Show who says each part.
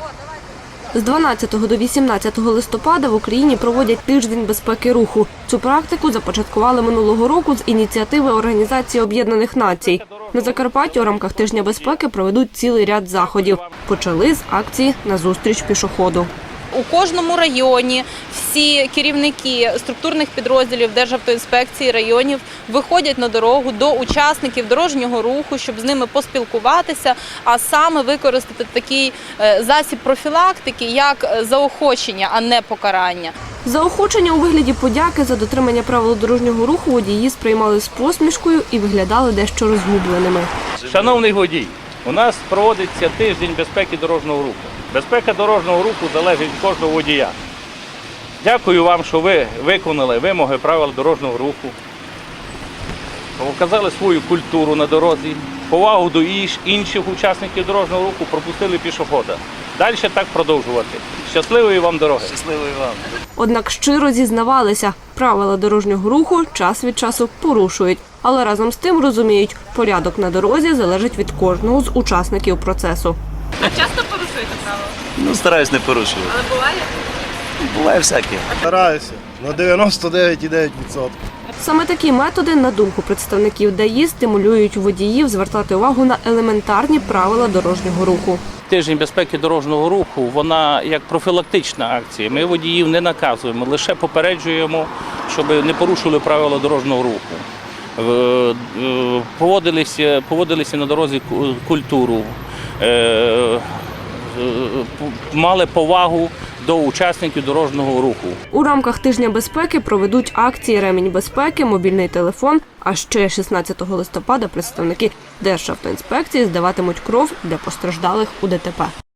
Speaker 1: З 12 до 18 листопада в Україні проводять тиждень безпеки руху. Цю практику започаткували минулого року з ініціативи Організації Об'єднаних Націй. На Закарпатті у рамках тижня безпеки проведуть цілий ряд заходів. Почали з акції «Назустріч пішоходу».
Speaker 2: У кожному районі всі керівники структурних підрозділів Державтоінспекції районів виходять на дорогу до учасників дорожнього руху, щоб з ними поспілкуватися, а саме використати такий засіб профілактики, як заохочення, а не покарання.
Speaker 1: Заохочення у вигляді подяки за дотримання правил дорожнього руху водії сприймали з посмішкою і виглядали дещо розгубленими.
Speaker 3: Шановний водій, у нас проводиться тиждень безпеки дорожнього руху. Безпека дорожнього руху залежить від кожного водія. Дякую вам, що ви виконали вимоги правил дорожнього руху, показали свою культуру на дорозі, повагу до інших учасників дорожнього руху, пропустили пішохода. Далі так продовжувати. Щасливої вам дороги!
Speaker 4: Щасливої вам!
Speaker 1: Однак щиро зізнавалися, правила дорожнього руху час від часу порушують. Але разом з тим розуміють, порядок на дорозі залежить від кожного з учасників процесу.
Speaker 2: А часто порушуєте правила?
Speaker 4: Ну, стараюсь не порушувати.
Speaker 2: Але буває?
Speaker 4: Буває всяке.
Speaker 5: Стараюся на 99,9%.
Speaker 1: Саме такі методи, на думку представників ДАІ, стимулюють водіїв звертати увагу на елементарні правила дорожнього руху.
Speaker 3: Тиждень безпеки дорожнього руху, вона як профілактична акція. Ми водіїв не наказуємо, лише попереджуємо, щоб не порушили правила дорожнього руху. Поводилися на дорозі культуру, мали повагу до учасників дорожнього руху.
Speaker 1: У рамках тижня безпеки проведуть акції «Ремінь безпеки», «Мобільний телефон», а ще 16 листопада представники Державтоінспекції здаватимуть кров для постраждалих у ДТП.